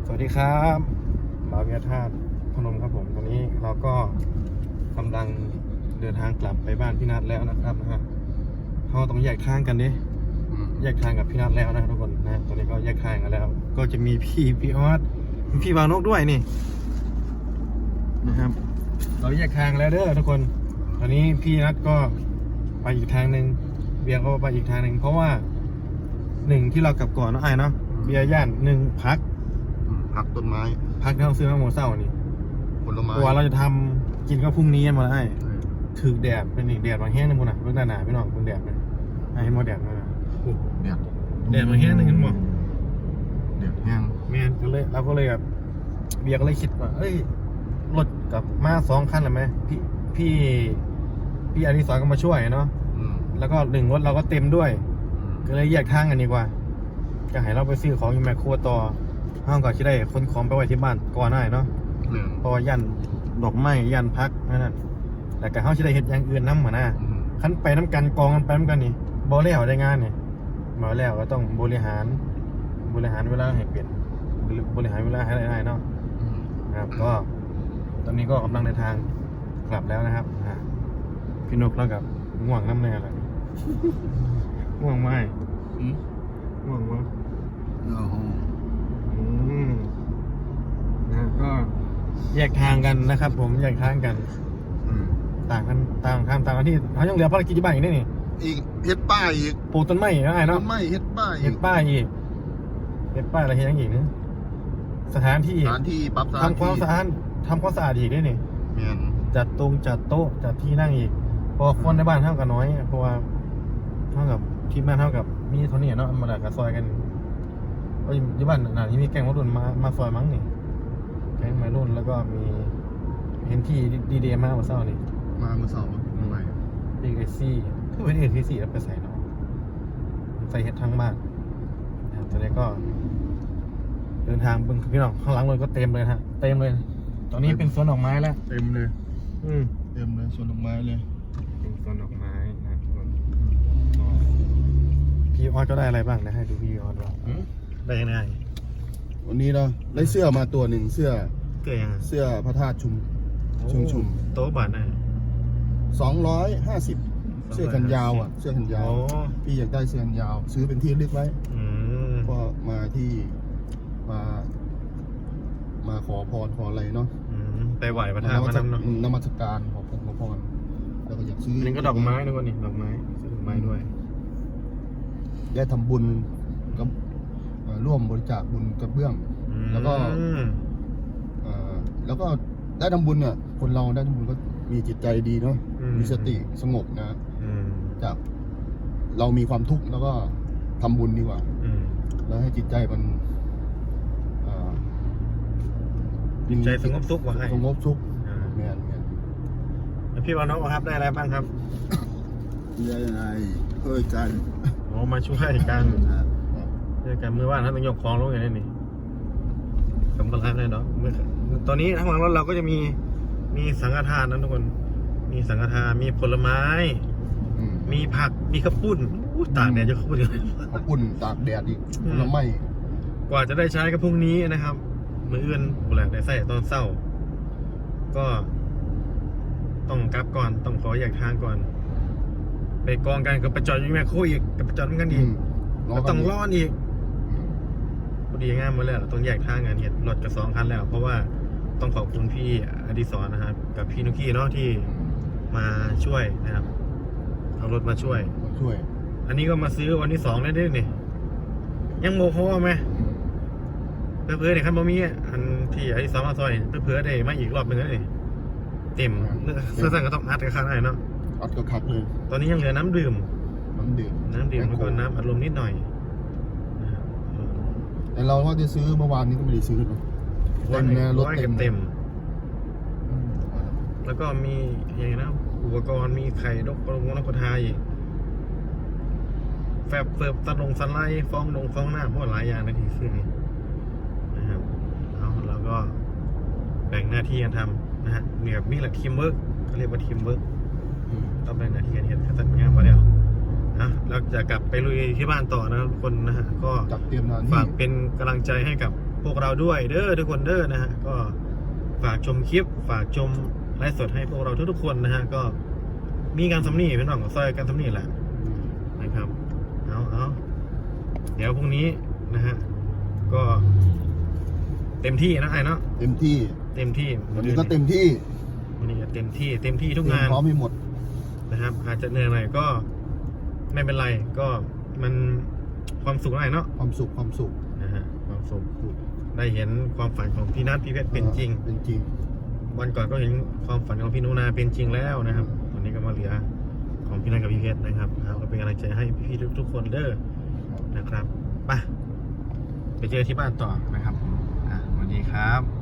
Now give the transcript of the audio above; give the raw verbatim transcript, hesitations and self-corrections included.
สวัสดีครับบ่าวเวียธาตุพนมครับผมตอนนี้เราก็กำลังเดินทางกลับไปบ้านพี่นัทแล้วนะครับนะฮะเขาต้องแยกทางกันดิแยกทางกับพี่นัทแล้วนะทุกคนนะตอนนี้ก็แยกทางกันแล้ว ก็จะมีพี่พี่ออสมีพี่บาวนกด้วยนี่นะครับเราแยกทางแล้วเด้อทุกคนตอนนี้พี่นัทก็ไปอีกทางหนึ่งเบียร์ก็ไปอีกทางหนึ่งเพราะว่าหนึ่งที่เรากลับก่อนเนาะไอ้เนาะเบียร์ย่านหนึ่งพักพักต้นไม้พักที่เราซื้อมาโมเศร้านี่ผลไม้ตัวเราจะทำกินก็พรุ่งนี้มาได้ถือแดดเป็นอีกแดดบางแห้งนึงคุณนะเรื่องหนาๆพี่น้องคุณแดดเลยให้หมดแดดมาแดดแดดบางแห้งนึงเห็นหมดแดดแห้งแม่ก็เลยเราก็เลยแบบเบียร์ก็เลยคิดว่าเอ้ยรถกับมาสองคันหรือไหมพี่พี่พี่อดิศรก็มาช่วยเนาะแล้วก็หนึ่งรถเราก็เต็มด้วยก็เลยแยกทางกันดีกว่าจะให้เราไปซื้อของอยู่แมคโครต่อห้องก่อนที่ได้คนของไปไว้ที่บ้านก่อนได้เนาะเพราะว่ายันดอกไม้ยันพักนั่นแต่กับเขาที่ได้เห็นอย่างอื่นน้ำเหมือนน่ะขั้นไปน้ำกันกองกันไปน้ำกันนี่บริหารได้งานเนี่ยมาแล้วก็ต้องบริหารบริหารเวลาให้เปลี่ยนบริหารเวลาให้ได้เนาะนะครับก็ตอนนี้ก็กำลังเดินทางกลับแล้วนะครับพี่นกแล้วกับง่วงน้ำแน่เลยง่วงไหมง่วงมั้งนะก็แยกทางกันนะครับผมแยกทางกันต่างกันต่างทางต่างกันที่เขายังเหลือภารกิจที่บ้านอีกนี่นี่อีกเฮ็ดป้ายอีกปลูกต้นไม้อีกอะไรเนาะต้นไม้เฮ็ดป้ายเฮ็ดป้ายอีกเฮ็ดป้ายอะไรเฮ็ดยังอีกนึงสถานที่สถานที่ปรับทำความสะอาดทำความสะอาดอีกนี่นี่จัดตรงจัดโต๊ะจัดที่นั่งอีกพอคนในบ้านเท่ากันน้อยเพราะว่าเท่ากับทีมงานเท่ากับมีเท่านี้เนาะมาดักกับซอยกันก็อยู่บ้านหนาที่มีแกงวัยรุ่นมามาซอยมั้งนี่แกงวัยรุ่นแล้วก็มีเห็นที่ดีเดย์มาเมื่อเช้านี่มาเมื่อเช้าเมื่อไหร่เอกเอซี่คือเป็นเอกเอซี่แล้วไปใส่เนาะใส่เห็ดทั้งบ้านตอนนี้ก็เดินทางบึงพี่น้องข้างหลังเลยก็เต็มเลยฮะเต็มเลยตอนนี้เป็นสวนดอกไม้แล้วเต็มเลยอืมเต็มเลยสวนดอกไม้เลยเป็นสวนดอกไม้นะทุกคนพี่ออสก็ได้อะไรบ้างนะให้ดูพี่ออสว่าได้ยังไงวันนี้เราได้เสื้อมาตัวหนึ่งเสื้อเสื้อยังเสื้อพระธาตุชุมชุมชุมโต๊ะบาทไหนสองร้อยห้าสิบเสื้อแขนยาวอ่ะเสื้อแขนยาวพี่อยากได้เสื้อแขนยาวซื้อเป็นที่เลือกไว้ก็มาที่มามาขอพรขออะไรเนาะไปไหวพระธาตุมาเนาะนมัสการขอพรขอพรแล้วก็อยากซื้อนี่ก็ดอกไม้ด้วยนี่ดอกไม้ซื้อดอกไม้ด้วยได้ทำบุญกับร่วมบริจาคบุญกระเบื้องแล้วก็แล้วก็ได้ทำบุญเนี่ยคนเราได้ทำบุญก็มีจิตใจดีเนาะมีสติสงบนะจากเรามีความทุกข์แล้วก็ทำบุญดีกว่าแล้วให้จิตใจมันจิตใจสงบสุขว่าให้สงบสุขเงี้ยเงี้ยแล้วพี่วานน้องครับได้อะไรบ้างครับได้ยังไงช่วยกันโอ้มาช่วยกันช่วยกันเมื่อวานท่านต้องยกคลองลงอย่างนี้นี่สำคัญเลยเนาะตอนนี้ทั้งหลังรถเราก็จะมีมีสังฆทานนะทุกคนมีสังฆทานมีผลไม้มีผักมีข้าวปุ้นตากแดดจะข้าวปุ้นข้าวปุ้นตากแดดอีกผลไม้กว่าจะได้ใช้ก็พรุ่งนี้นะครับมื้ออื่นบุหรี่ได้ใส่ตอนเศร้าก็ต้องกลับก่อนต้องขอแยกทางก่อนไปกองกันกับประจอดอยู่แม่โคอีกกับประจอดกันอีกก็ต้องร้อนอีกพอดีง่ายหมดแล้วต้องแยกทางกันเห็นรถกับสองคันแล้วเพราะว่าต้องขอบคุณพี่อดิศรนะครับกับพี่นุกี้เนาะที่มาช่วยนะครับเอารถมาช่วยช่วยอันนี้ก็มาซื้อวันที่สองได้ด้วยนี่ยังโมโหไหมเพื่อเพื่อเนี่ยคันบะหมี่อันที่อดิศรมาซอยเพื่อเพื่อได้มาอีกรอบหนึ่งเลยเต็มเสื้อสั่งก็ต้องอัดกับข้างในเนาะอัดกับคัดเลยตอนนี้ยังเหลือน้ำดื่มน้ำดื่มน้ำดื่มแล้วก็น้ำอัดลมนิดหน่อยแต่เราก็จะซื้อเมื่อวานนี้ก็ไม่ได้ซื้อนะเต็มเลยรถเต็มเต็มแล้วก็มีอย่างนะอุปกรณ์มีไข่ดกปลงนกกระทาอีกแฟบเฟิร์ฟตัดลงสไลด์ฟองลงฟองหน้าพวกหลายอย่างในที่ซื้อนะครับเอาแล้วก็แบ่งหน้าที่กันทำนะฮะมีแบบนี่แหละทีมเวิร์กเขาเรียกว่าทีมเวิร์กต้องแบ่งหน้าที่กันเห็นขั้นงานมาแล้วนะเราจะกลับไปลุยที่บ้านต่อนะทุกคนนะฮะก็ฝากเป็นกำลังใจให้กับพวกเราด้วยเด้อทุกคนเด้อนะฮะก็ฝากชมคลิปฝากชมไลฟ์สดให้พวกเราทุกๆคนนะฮะก็มีการสำนีเป็นหน่องกับซอยการสำนีแหละนะครับเอาเอาเดี๋ยวพรุ่งนี้นะฮะก็เต็มที่นะไอ้เนาะเต็มที่เต็มที่วันนี้ก็เต็มที่วันนี้ก็เต็มที่เต็มที่ทุกเตรียงาม นพร้อมให้หมดนะครับอาจจะเหนื่อยหน่อยก็ไม่เป็นไรก็มันความสุขอะไรเนาะความสุขความสุขนะฮะความสุขได้เห็นความฝันของพี่นัทพี่เพชรเป็นจริงเป็นจริงวันก่อนก็เห็นความฝันของพี่นุนาเป็นจริงแล้วนะครับวันนี้ก็มาเหลือของพี่นัทกับพี่เพชรนะครับเอาก็เป็นกำลังใจให้พี่ๆทุกๆคนเด้อนะครับไปไปเจอที่บ้านต่อนะครับอ่ะสวัสดีครับ